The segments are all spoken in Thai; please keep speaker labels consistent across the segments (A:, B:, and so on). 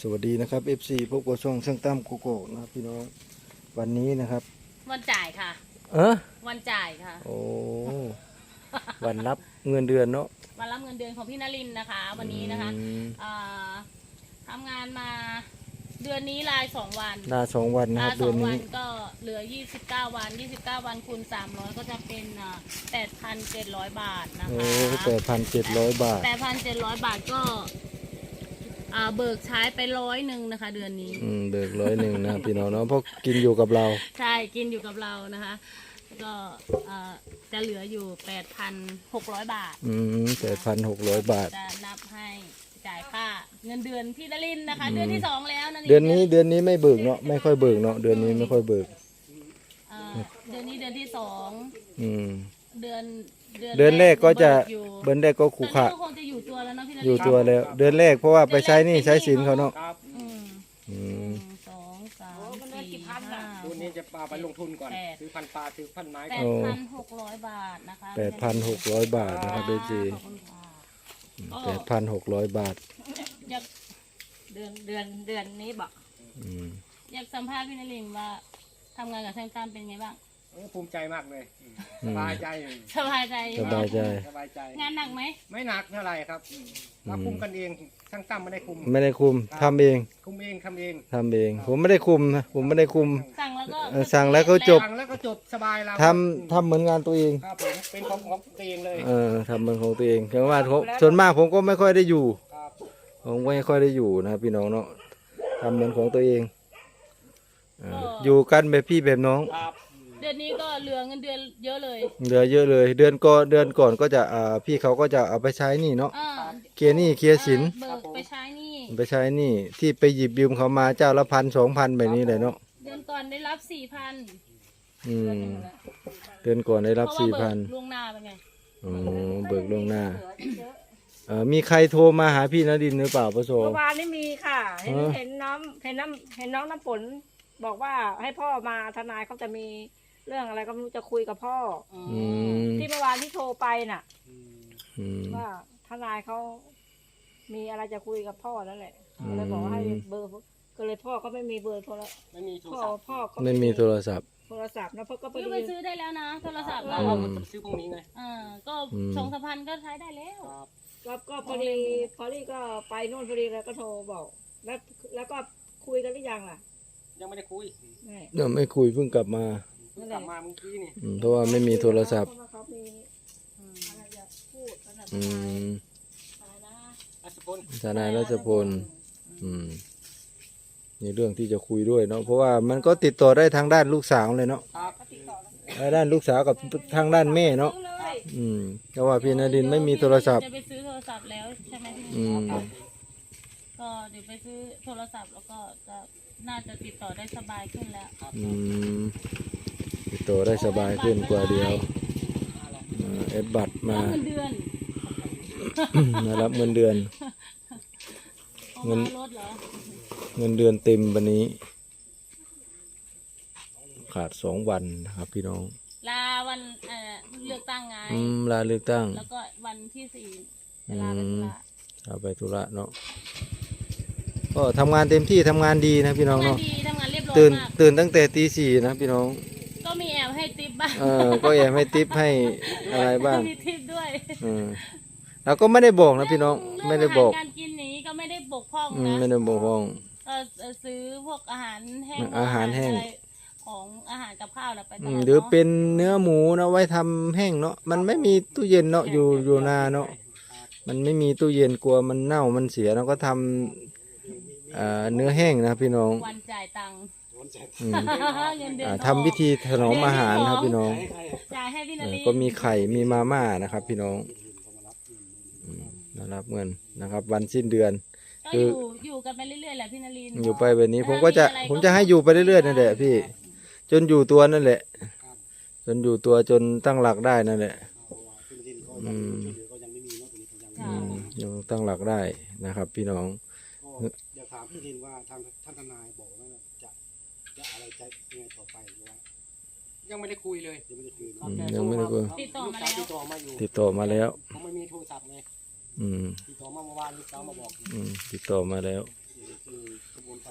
A: วัสดีนะครับ FC พบกับช่องช่างตั้มโกโก้นะครับพี่น้องวันนี้นะครับ
B: วันจ่ายค่ะวันจ่ายค่ะ
A: โอ้วันรับเงินเดือนเนาะ
B: วันรับเงินเดือนของพี่นรินทร์นะคะวันนี้นะคะทำงานมาเดือนนี้ลา2 วัน
A: ลา2 วันนะครับเดือนนี้
B: ก็เหลือ29 วัน29 วันคูณ300ก็จะเป็น8,700 บาทนะคะ
A: โอ้8,700 บาท
B: 8,700 บาทก็เบิกใช้ไป100นะคะเดือนนี้
A: เบิก100นะพี่น้องเนาะเพราะกินอยู่กับเรา
B: ใช่กินอยู่กับเรานะคะก็จะเหลืออยู่ 8,600 บาท
A: 8,600 บาท
B: จะนับให้จ่ายค่าเงินเดือนพี่นรินทร์นะคะเดือนที่2แล้วนะ
A: เดือนนี้ไม่เบิกเนาะไม่ค่อยเบิกเนาะเดือนนี้ไม่ค่อยเบิก
B: เดือนนี้เดือนที่2เดือน
A: แรกก็จะเดือนแรกก็ขู่ขา
B: คงจะอยู่ตัวแล้วเนาะพี่นรินทร์
A: อยู่ตัวแล้วเดือนแรกเพราะว่าไปใช้นี่ใช้สินเขาเนาะ
B: 2 3 4 5
C: ตัวนี้จะปลาไปลงทุนก่อนซื้อพันปลาซื้อพันไม้
B: 8,600 บาทนะคะ
A: 8,600 บาทนะครับเบจี8,600 บาท
B: เดือนนี้บอกอยากสัมภาษณ์พี่นรินทร์ว่าทำงานกับช่างตั้มเป็นไงบ้าง
C: ภูมิใจมากเลยสบายใจ
B: งานหนักไหม
C: ไม่หนักเท่าไหร่ครับเราคุมกันเองช่างตั้มไม่ได้คุม
A: ทำเอง
C: คุมเองทำเ
A: อง ผมไม่ได้คุมนะผมไม่ได้คุมสั่งแล้วก็จบ
C: สบายเรา
A: ทำเหมือนงานตัวเอง
C: ครับผมเป็นของตัวเองเลย
A: ทำเหมือนของตัวเองแต่ว่าส่วนมากผมก็ไม่ค่อยได้อยู่ผมไม่ค่อยได้อยู่นะพี่น้องเนาะทำเหมือนของตัวเองอยู่กันแบบพี่แบบน้อง
B: เดือนนี้ก็เหลือเงินเดือนเยอะเลย
A: เยอะเลยเดือนก่อนก็จะพี่เขาก็จะเอาไปใช้นี่เนาะเคลียร์สิน
B: ไปใช้
A: นี่ที่ไปหยิบยืมเขามาเจ้าละ1,000-2,000แบบนี้เลยเนาะ
B: เดือนก่อนได้รับ4,000
A: เดือนก่อนได้รับ4,000
B: ล่วงหน้าเป็นไง
A: เบิกล่วงหน้ามีใครโทรมาหาพี่นรินทร์หรือเปล่าปะโซ
D: เมื่อวานนี้มีค่ะเห็นน้องน้ำฝนบอกว่าให้พ่อมาทนายเขาจะมีเรื่องอะไรก็ไม่รู้จะคุยกับพ่อที่เมื่อวานที่โทรไปน่ะว่าทนายเขามีอะไรจะคุยกับพ่อนั่นแหละเลยบอกให้เบอร์ก็เลยพ่อก็ไม่มีเบอร์โทรศัพท์พ่อก็
A: ไม่มีโทรศัพท์
D: นะพ่อก็
B: ไปซื้อได้แล้วนะโทรศัพท์
C: เราเอาซื้อพวกนี้ไง
B: ก็2,000-3,000ก็ใช้ได้แล้ว
D: ก็พอดีก็ไปโน่นพอดีแล้วก็โทรบอกแล้วก็คุยกันหรือยังล่ะ
C: ยังไม่ได้คุย
A: ยังไม่คุยเพิ่งกลับมา
C: เมื่อกี้นี่
A: เพราะว่าไม่มีโทรศัพท์ทนายรัชพลมีเรื่องที่จะคุยด้วยเนาะเพราะว่ามันก็ติดต่อได้ทางด้านลูกสาวเลยเนาะด้านลูกสาวกับทางด้านแม่เนาะเพราะว่าพี่นรินทร์ไม่มีโทรศัพท์
B: จะไปซื้อโทรศัพท์แล้วใช่ไหมก็เดี๋ยวไปซื้อโทรศัพท์แล้วก็จะน่าจะติดต่อได้สบายขึ้นแล้ว
A: ติดต่อได้สบายขึ้นกว่าเดียวเอ็ดบัตรมารับเงินเดือนเงินเดือนเต็มวันนี้ขาด2 วันนะครับพี่น้อง
B: ลาวันเลือกตั้งไง
A: ลาเลือกตั้ง
B: แล้วก็วันที่4ลาไปธุระ
A: เนาะก็ทำงานเต็มที่ทำงานดีนะพี่น้องเนาะ
B: ทำงานเรียบร้อย
A: ตื่นตั้งแต่ตี 4นะพี่น้อง
B: ก็มีแอบให้ทิปบ้าง
A: ก็แอบให้ทิปให้อะไรบ้าง
B: มีทิปด้วย
A: เราก็ไม่ได้บอกนะพี่น้องไม่ได้บอก
B: การกินนี้ก็ไม่ได้บกพร่องนะ
A: ไม่ได้บกพร่อง
B: ซื้อพวกอาหารแห้งของอาหารกับข้าวไป
A: หรือเป็นเนื้อหมูนะไว้ทำแห้งเนาะมันไม่มีตู้เย็นเนาะอยู่นาเนาะมันไม่มีตู้เย็นกลัวมันเน่ามันเสียเราก็ทำเนื้อแห้งนะพี่น้อง
B: วันจ่ายตังค์
A: ทำวิธีถนอมอาหารครับพี่น้อง
B: จ่ายให้พี่นรินทร์
A: ก็มีไข่มีมาม่านะครับพี่น้องรับเงินนะครับวันสิ้นเดือน
B: ก็อยู่กันไปเรื่อยๆแหละพี่นรินทร์
A: อยู่ไปแบบนี้ผมจะให้อยู่ไปเรื่อยๆนั่นแหละพี่จนอยู่ตัวนั่นแหละจนอยู่ตัวจนตั้งหลักได้นั่นแหละยังตั้งหลักได้นะครับพี่น้อง
C: อยากถามพี่ทินว่าท่านทนายบอกว่าจะอะไรจะยังไงต่อไปว่ายังไม่ได้คุยเลย
A: ยังไม่ได้คุย
B: ติดต่อมา
A: แล้ว
C: ผมไม่มีโทรศัพท์ไงติดต่อมาเมื่อวานลูกสาวมาบอก
A: ติดต่อมาแล้ว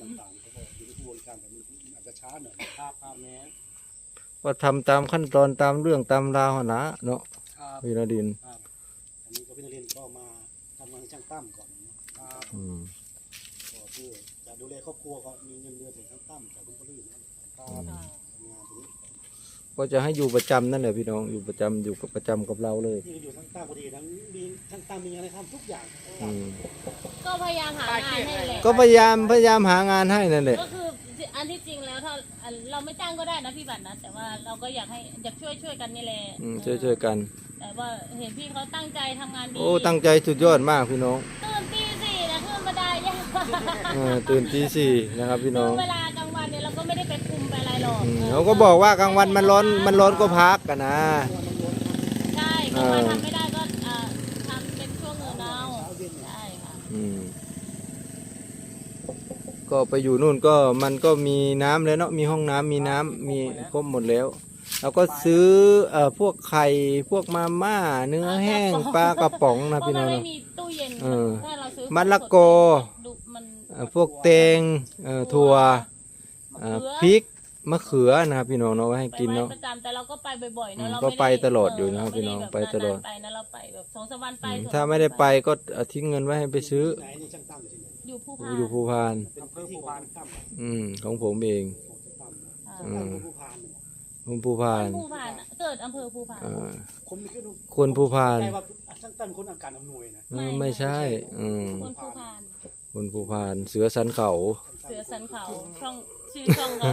C: ต่างๆเขาก็อยู่ในกระบวนการแต่มันอาจจะช้าหน่อยภาพแม้
A: ก็ทำตามขั้นตอนตามเรื่องตามราวหั่นนะเนาะ
C: ครับ
A: พี่นดิน
C: ครับอันนี้ก็พี่นเรนก็มาทำงานช่างตั้มก่อนนะครับ
A: อืม
C: ก็เพื่อจะดูแลครอบครัวก็มีเงินเดือนจากช่างตั้มจากคุณพ่อลื่นนะครับทำงานตรงนี้
A: ก็จะให้อยู่ประจำนั่นแหละพี่น้องอยู่ประจำอยู่กับประจำกับเราเลย
C: ที่อยู่ช่างตั้มพอดีทั้งมีช่างตั้มมีอะไรทำทุกอย่าง
A: อืม
B: ก็พยายามหางานให้แหละ
A: ก็พยายามหางานให้นั่นแหละ
B: ก็คืออันที่จริงแล้วถ้าเราไม่จ้างก็ได้นะพี่บัตรนะแต่ว่าเราก็อยากช่วยกันนี่แหละ
A: ช่วยกัน
B: แต่ว่าเห็นพี่เขาตั้งใจทำงานดี
A: โอ้ตั้งใจสุดยอดมากพี่น้อง
B: ตื่นตีสี่นะขึ้นบันไดยาก
A: ตื่นตีสี่นะครับพี่น้อง
B: เวลากลางวันเนี่ยเราก็ไม่ได้ไปคุมไปอะไรหรอก
A: เขาก็บอกว่ากลางวันมันร้อนก็พักกันนะ
B: ใช่กลางวันทำไม่ได้ก็ทำเป็นช่วงเงินเอาใช่ค่ะ
A: อืมก็ไปอยู่นู่นก็มันก็มีน้ำแล้วเนาะมีห้องน้ำมีน้ำมีครบหมดแล้วเราก็ซื้อพวกไข่พวกมาม่าเนื้อแห้งปลากระป๋องนะ
B: เพราะ
A: พี่
B: มั
A: น้
B: น
A: อง
B: ไม่
A: เนาะ
B: มีตู้เย็น
A: เออ
B: ถ้าเราซื้อ
A: มะละกอ
B: ดูมัน
A: พวกแตงถั่วพริกมะเขือนะครับพี่น้องเนาะไว้ให้กินเนาะ
B: ประจำแต่เราก็ไปบ่อยๆเนาะเรา
A: ก็
B: ม่
A: ไปตลอดอยู่นะครับพี่น้องไปตลอด
B: ไปนะเราไปแบบ2-3 วันไป
A: ถ้าไม่ได้ไปก็ทิ้งเงินไว้ให้ไปซื้อ
C: ไหนนี่ช่างตั้มอยู่ที่ไหน
B: อยู่ผู้พาน
A: อยู่ภูพาน
C: เป็นอำเภอภูพานตั้ม
A: ของผมเอง
C: ของช่างตั้มช่างตั้มภูพานเนี่ย
A: ผมภูพาน
B: ผู้พานอะเกิดอำเภอผู้พาน
C: คนไม่คิดดู
A: คนภูพาน
C: ใจว่าช่างตั้มเป็นคนอาการอำนวยนะ
A: ไม่ใช่
B: คนผู้พาน
A: คนภูพานเสือสันเขา
B: เสือสันเขาช่องชื่อช่องเรา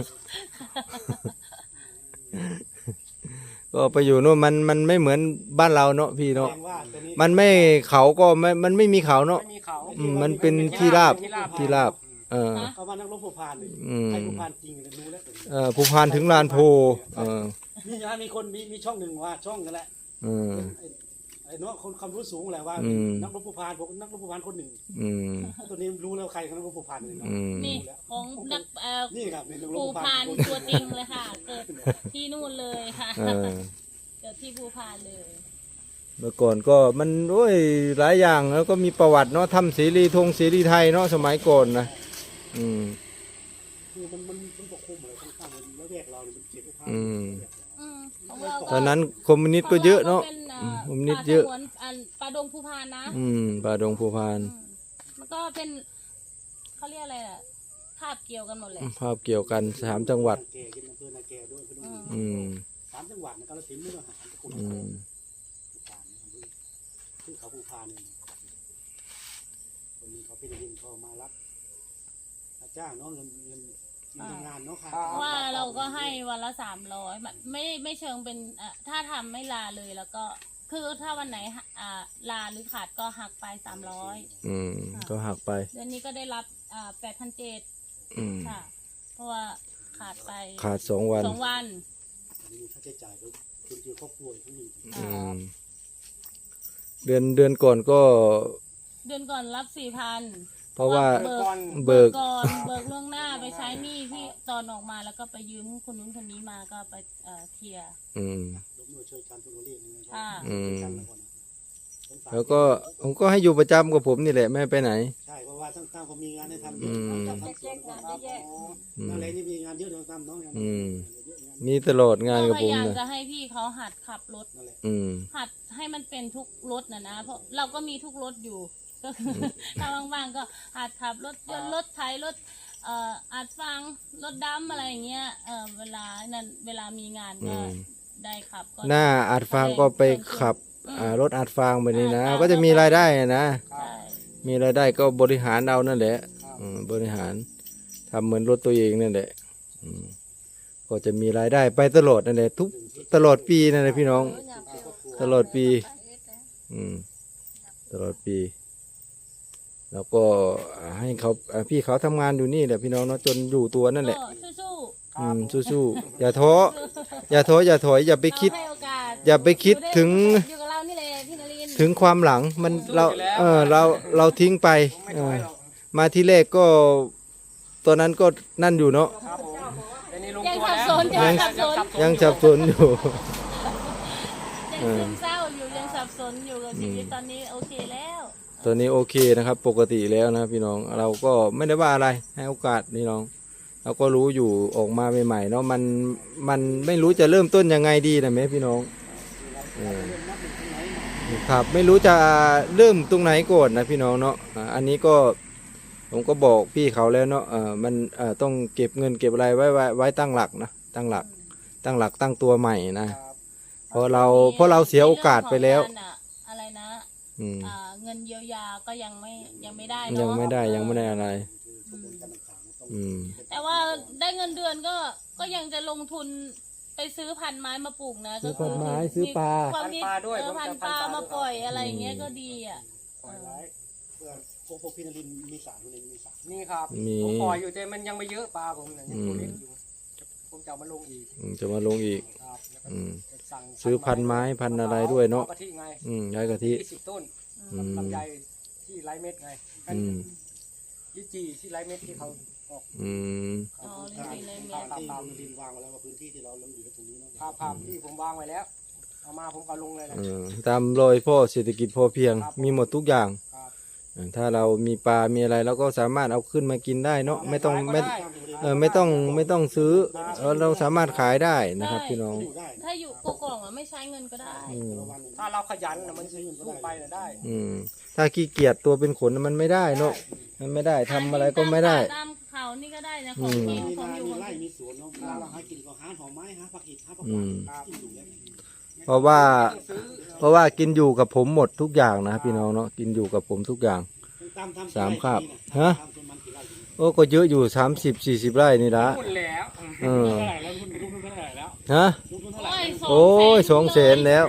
A: ก็ไปอยู่นู่นมันไม่เหมือนบ้านเราเนาะพี่เนาะ
C: แสดงว่าตอนนี้
A: มันไม่เขาก็มันไม่มีเขาเนาะ
E: ไม่มีเขา
A: มันเป็นที่ราบที่ราบ
C: เขาว่านักรบภูพานเลย
A: อืม
C: ใครภูพานจริงเลยรู้แล้ว
A: ภูพานถึงลานโพ
C: มีคนมีช่องหนึ่งว่าช่องกันแหละ
A: อืม
C: ไอ้น้องคนความรู้สูงแหละว่า
A: อืม
C: นักรบภูพานผมนักรบภูพานคนหนึ่ง
A: อืม
C: ตัวนี้รู้แล้วใครคือนักรบภูพานเลยเนาะ
A: อืม
B: นี่ของนัก
C: นี่ครับนี่นักรบ
B: ภู
C: ภูพา
B: พาน
C: น
B: ตัวจริงเลยค่ะ เกิดที่นู่นเลยค่ะ
A: เออ
B: เกิดที่ภูพานเลย
A: เมื่อก่อนก็มันโอ้ยหลายอย่างแล้วก็มีประวัติเนาะทำเสรีไทยเนาะสมัยก่อนนะอืม
C: คือมันปกคลุมอะไรข้างๆมันแล้วแยกเราเนี่ยมันเขตภูพาน
A: อืม
B: ของเราก็
A: ตอนนั้นคอมมิวนิสต์ก็เยอะเนาะ คอมมิวนิสต์เยอะ
B: ป่าดงภูพานนะ
A: ป่าดงภูพาน
B: มันก็เป็นเขาเรียกอะไรอ่ะภาพเกี่ยวกันหมดเลย
A: ภาพเกี่ยวกัน3 จังหวัด
C: นาแก่กินอำเภอนาแก่ด้วย
A: อืม
C: 3 จังหวัดนะกาฬสินธุ์มุกดาหารสกลน
A: อื
C: คร
A: ม
C: ภูพานคือเขาภูพานเนี่ยคนนี้เขาเป็นดินเขามารับจ้างเนาะเงินทำงานเนาะค่ะ
B: ว่าเราก็ให้วันละ300แบบไม่เชิงเป็นถ้าทำไม่ลาเลยแล้วก็คือถ้าวันไหนลาหรือขาดก็หักไป300
A: ก็หักไป
B: เดือนนี้ก็ได้รับ8,700
A: อืม
B: ค่ะ เพราะว่าขาดไป
A: ขาด2 วัน
B: 2 วัน
C: มีค่าใช้จ่ายด้วยคุณคือครอบครัวทั้งนี้
A: อืมเดือนก่อนก็
B: เดือนก่อนรับ 4,000
A: เพราะว่า
B: เบิก
A: เบิก
B: ก่อนเบิกล่วงหน้าไปใช้หนี้ที่ตอนออกมาแล้วก็ไปยืมคนนู้นคนนี้มาก็ไปเคลียร์
A: อืม
C: ร่วมมือช่วยกันทุกคนเรียกยังไงก็
A: อืม
C: ช่วยกันแล้วก่อนนะ
A: แล้วก็ผมก็ให้อยู่ประจำกับผมนี่แหละไม่ให้ไปไหน
C: ใช่เพราะว่าตั้งๆก็มีงานให้ทำเย
A: อื
C: อะ
A: ม
C: ทำสวนก็ครับนั่นแหละนี่มีงานเยอะตั้งๆเนาะงาน
A: อืม
C: เยอะงาน
A: มีตลอดงานกับ
B: พ
A: ผม
B: ยายาม
A: นะ
B: จะให้พี่เขาหัดขับรถ
C: นั่นแหละ
A: อืม
B: หัดให้มันเป็นทุกรถนะเพราะเราก็มีทุกรถอยู่ก็คือถ้าว่างๆก็หัดขับรถยนต์รถไถรถอัดฟังรถดำอะไรอย่างเงี้ยเวลามีงานก็ได้ขับก็
A: หน้าอัดฟางก็ไปขับรถอัดฟางแบบนี้นะก็จะมีรายได้นะ
B: ใช่
A: มีรายได้ก็บริหารเอานั่นแหละบริหารทำเหมือนรถตัวเองนั่นแหละก็จะมีรายได้ไปตลอดนั่นแหละตลอดปีนั่นแหละพี่น้อง ตลอดปีตลอดปี แล้วก็ให้เขาพี่เขาทำงานอยู่นี่แหละพี่น้องเนาะจนอยู่ตัวนั่นแหละ
B: ก็สู้
A: สู้ๆอย่าท้ออย่าถอยอย่าไป
B: ๆ
A: คิด
B: เราให้โอกาส
A: อย่าไปคิดถึง
B: อยู่กับเรานี่แหละพี่นรินทร์
A: ถึงความหลังมันเราทิ้งไป
E: ไม่ถอยหรอก
A: มาที่แรกก็ตอนนั้นก็นั่นอยู่เนาะ
E: ครับผมแต่นี่ลง
B: ยัง
E: ตัว
B: สับ
E: แล้ว
B: สน
A: ยังสับสนอยู่
B: ยังซึมเศร้าอยู่ยังสับสนอยู่กับชีวิตตอนนี้โอเคแล้ว
A: ตัวนี้โอเคนะครับ ปกติแล้วนะพี่น้องเราก็ไม่ได้ว่าอะไรให้โอกาสพี่น้องเราก็รู้อยู่ออกมาใหม่ๆเนาะมันไม่รู้จะเริ่มต้นยังไงดีนะแม่พี่น้องครับไม่รู้จะเริ่มตรงไหนก่อนนะพี่น้องเนาะอันนี้ก็ผมก็บอกพี่เขาแล้วเนาะมันต้องเก็บเงินเก็บอะไรไว้ตั้งหลักนะตั้งหลักตั้งตัวใหม่นะเพราะเราเสียโอกาสไปแล้ว
B: ในเรื่องของงานอะไรนะ
A: อืม
B: เงินเยียวยาก็ยังไม่ได้
A: ยัง
B: เนาะ
A: ไม่ได้อะไร อืม
B: แต่ว่าได้เงินเดือนก็ยังจะลงทุนไปซื้อพันธุ์ไม้มาปลูกนะ
A: ซื้อพันธุ์ไม้ซื้อปลา
B: ความคิด
E: พันธุ์ปลาด้วย
B: พันธุ์ปลามาปล่อยอะไรอย่างเงี้ยก็ดีอ่ะ
C: ปล่อยไว้เพื่อพวกพี่นรินทร์มีสารคนนี้มีสาร
E: นี่ครับ
A: มี
E: ผมปล่อยอยู่แต่มันยังไม่เยอะปลาผมเนี่ยยังตัวเล็กอยู่ผมจะเอามาลงอีก
A: จะมาลงอีก
E: ครับแล้วก็
A: อืม
E: จะสั่ง
A: ซื้อพันธุ์ไม้พันธุ์อะไรด้วยเนาะ
E: กะทิไง
A: ย้ายกะทิ
E: 20 ต้น
A: อืม
E: ลำไยที่ไร้เม็ดไง
A: อืม
E: ลิจีที่ไร้เม็ดที่เขาออก
A: อืม
B: อ๋อ
C: ทาง
B: ดีเลย
C: ทาง
B: แม่
C: ที่คุณนรินทร์วางไว้แล้วว่าพื้นที่ที่เราเริ่มอยู่ตรงนี้เนาะ
E: ภาพที่ผมวางไว้แล้วเอามาผมก็ลงเลยแหละ
A: ตามรอยพ่อเศรษฐกิจพอเพียง
E: ครับ
A: มีหมดทุกอย่าง
E: ครับ
A: ถ้าเรามีปลา มีอะไรเราก็สามารถเอาขึ้นมากินได้เนาะไม่ต้อง
E: ขายก็
A: ไม่
E: ด้
A: ไม่ต้องซื้อเราสามารถขายได้นะครับพี่น้อง
C: อยู่ได้
B: ถ้าอยู่กกล่องอ่ะไม่ใช้เงินก็ได้
A: อืม
C: แต่ละวันเนี่ย
E: ถ้าเราขยันน่ะมันสู้ไปน่ะได้
A: ถ้าขี้เกียจตัวเป็นขนมันไม่ได้เนาะมันไม่ได้ทำอะไรก็ไม่ได้
B: ตามเขานี่ก็ได้นะของกิน
C: มี
B: ของ
C: นา
B: อยู่
C: มี
B: ของ
C: ไร่
B: กิน
C: มีสวนเนาะเวลาเราหากินก็หาหน่อไม้หาผักอิฐหาผักห
A: อื
C: วาน
A: ม
C: กินอยู่แล้ว
A: เพราะว่า
E: ซื้อ
A: เพราะว่ากินอยู่กับผมหมดทุกอย่างนะครับพี่น้องเนาะกินอยู่กับผมทุกอย่าง
C: ตามทำ
A: สามคาบ
C: ฮะ
A: ฮะ โอ้ก็เยอะอยู่30-40 ไร่นี่ละ
E: หุ้นแล้ว
A: เออ
C: เท่าไหร่แล้วคุณลูกทุนเท่าไหร่แล้ว
A: ฮะ
C: ลูกทุนเท่าไหร่
A: โอ้ย200,000แล้ว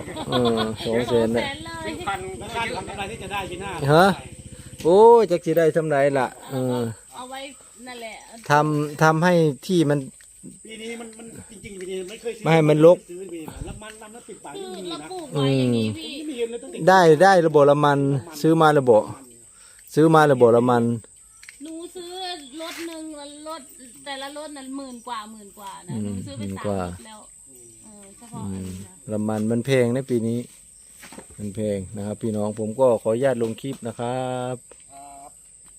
A: 200,000
B: เล
A: แล้ว
B: ย
E: ซื้อพัน
C: แล้วการทำอะไรที่จะได้ปีหน้า
A: ฮะ โอ้ยจักสิได้ทำไรล่ะ
B: เอาไว้นั่นแหละ
A: ทำให้ที่มัน
C: ปีนี้มันจริงๆปีนี้ไม่เคยซื้อ
A: ไม่ให้มันรก
C: ซื้อปีนี้แล้วมันแล้วติดปาก
B: คือ
C: ไม่มี
B: เรา
C: นะ
B: ปลูกไว้อย่างนี้พี่
C: ไม่มีเงินเลยตั้งแต่
A: ได้ระบบละมันซื้อมาระบบละมัน
B: หนูซื้อรถหนึ่งแล้วรถแต่ละรถนั้น10,000 กว่านะหนูซื้อไป
A: 10,000
B: 3
A: กว่า
B: รถแล้วเฉพาะอันนี้นะ
A: ละมันมันแพงนะปีนี้ มันแพงนะครับ พี่น้องผมก็ขออนุญาตลงคลิปนะครับ